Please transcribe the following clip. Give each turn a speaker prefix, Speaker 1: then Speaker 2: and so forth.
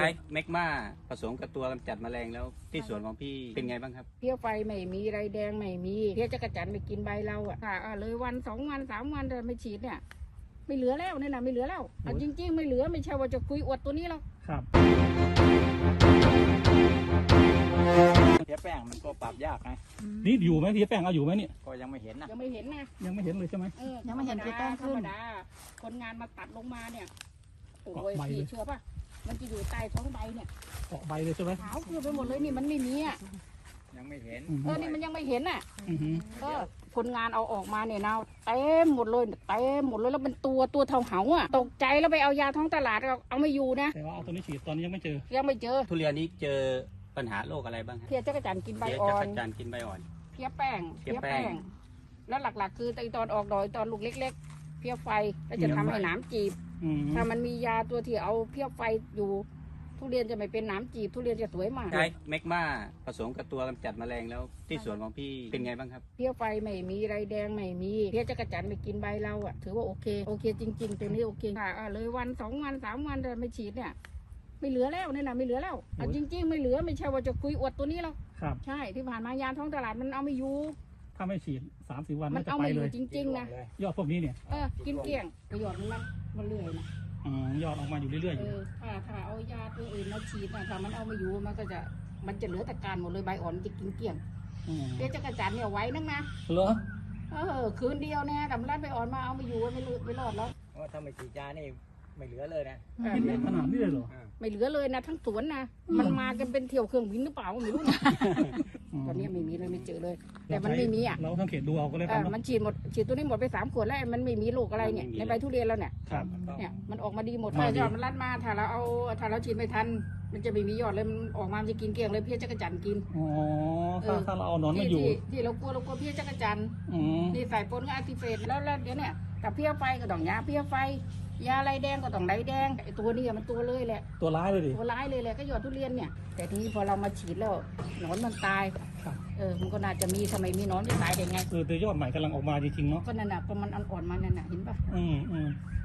Speaker 1: ใช้แมกมาผสมกับตัวกำจัดแมลงแล้วที่สวนของพี่เป็นไงบ้างครับ
Speaker 2: เพี้ยไฟไม่มีไรแดงไม่มีเพี้ยจักรจันทร์ไม่กินใบเราอ่ะเลยวัน2 วัน3 วันแต่ไม่ฉีดเนี่ยไม่เหลือแล้วเนี่ยนะไม่เหลือแล้วจริงๆไม่เหลือไม่ใช่ว่าจะคุยอวดตัวนี้หรอก
Speaker 3: ครับ
Speaker 4: เพี้ยแป้งมันก็ปรับยากนะ
Speaker 3: นี่อยู่ไหมพี่แป้งเอาอยู่ไหมเนี่ย
Speaker 4: ก็ยังไม่เห็นนะ
Speaker 2: ยังไม่เห็นนะ
Speaker 3: ยังไม่เห็นเลยใช่ไหม
Speaker 2: ยังไม่เห็นเพี้ยแป้งขึ้นคนงานมาตัดลงมาเนี่ยโอ้ยพี่เชื่อป่ะมันจะอยู่ใต้ท้องใบเนี่ย
Speaker 3: เกาะใบเลยใช่ไหม
Speaker 2: ขาวเกลือไปหมดเลยนี่มันไม่มีอ่ะ
Speaker 4: ยังไม่เห็น
Speaker 2: นี่มันยังไม่เห็นอ่ะคนงานเอาออกมาเนี่ยนะเต็มหมดเลยเต็มหมดเลยแล้วเป็นตัวเท่าเหาอ่ะตกใจแล้วไปเอายาท้องตลาดเอาไม่อยู่นะ
Speaker 3: แต่ว่าเอาตัวนี้ฉีดตอนนี้ยังไม่เจอ
Speaker 1: ทุเรียนนี้เจอปัญหาโรคอะไรบ้างครับ
Speaker 2: เพี้ยจักรจันทร์กินใบอ่อน
Speaker 1: เพี้ยจักรจันทร์กินใบอ่อน
Speaker 2: เพี้ยแป้งแล้วหลักๆคือตอนออกดอกตอนลูกเล็กๆเพี้ยไฟแล้วจะทำให้หนามจีบถ้ามันมียาตัวที่เอาเพี้ยไฟอยู่ทุเรียนจะไม่เป็นหนามจีบทุเรียนจะสวยมาก
Speaker 1: ใช้แมกมาผสมกับตัวกำจัดแมลงแล้วที่สวนของพี่เป็นไงบ้างครับ
Speaker 2: เพี้ยไฟไม่มีไรแดงไม่มีเพี้ยจักรจันทร์ไม่กินใบเราอ่ะถือว่าโอเคจริงๆตัวนี้โอเคเลยวัน2 วัน3 วันแต่ไม่ฉีดเนี่ยไม่เหลือแล้วเนี่ยนะไม่เหลือแล้วจริงๆไม่เหลือไม่ใช่ว่าจะคุยอวดตัวนี้หรอก
Speaker 3: ครับ
Speaker 2: ใช่ที่ผ่านมายาท้องตลาดมันเอาไม่อยู่
Speaker 3: ถ้าไม่ฉีด3-4 วัน
Speaker 2: มันเอาไม่อยู่จริงๆนะ
Speaker 3: ยอดพวกนี้เนี่ย
Speaker 2: กินเกลี้ยงประโยชน์มันเรื่อยนะ
Speaker 3: ยอดออกมาอยู่เรื่อยๆอยู่
Speaker 2: ถ้าเอายาตัวอื่นมาฉีดนะถ้ามันเอาไม่อยู่มันจะเหลือแต่การหมดเลยใบอ่อนจะกินเกลี้ยงเพี้ยจักรจันทร์เนี่ยไว้นักนะ
Speaker 3: เหรอ
Speaker 2: คืนเดียวเนี่ยดำรัดใบอ่อนมาเอาไม่อยู่ไม่รอดแล้ว
Speaker 4: ถ้าไม่ฉีดยานี่ไม่เหลือเลยนะ
Speaker 3: กินได้ขนาดนี้เลยเหรอ
Speaker 2: ไม่เหลือเลยนะทั้งสวนนะมันมากันเป็นเที่ยวเครื่องบินหรือเปล่าไม่รู้นะตอนนี้ไม่มีเลยไม่เจอเลยแต่มันไม่มีอ่ะ
Speaker 3: เราสังเกตดูเอาก็เลยครับ
Speaker 2: มันฉีดตัวนี้หมดไป3 ขวดแล้วมันไม่มีโรคอะไรเนี่ยในใบทุเรียนแล้วเนี่ยมันออกมาดีหมดถ้ายอดมันรัดมาถ้าเราฉีดไม่ทันมันจะไม่มียอดเลยมันออกมาจะกินเกลี้ยงเลยเพี้ยจักรจันทร์กิน
Speaker 3: ถ้าเราเอานอนมาอยู่
Speaker 2: ที่เรากลัวเพี้ยจักรจันทร์นี่ใส่ปนกับอะทิเฟตแล้วเดี๋ยวเนี่ยกับเพี้ยไฟก็ต้องยาเพี้ยไฟยาไรแดงก็ต้องไรแดงไอตัวนี้มันตัวเลยแหละ
Speaker 3: ตัวร้ายเลยดิ
Speaker 2: ตัวร้ายเลยแหละก็ยอดทุเรียนเนี่ยแต่ทีนี้พอเรามาฉีดแล้วหนอนมันตายมันก็น่าจะมีทำไมมีหนอนจะตายได้ไง
Speaker 3: แต่ยอดใหม่กำลังออกมาจริงๆเนาะ
Speaker 2: ก็นั่นน่ะพอมันอ่อนๆมานั่นน่ะเห็นป่ะ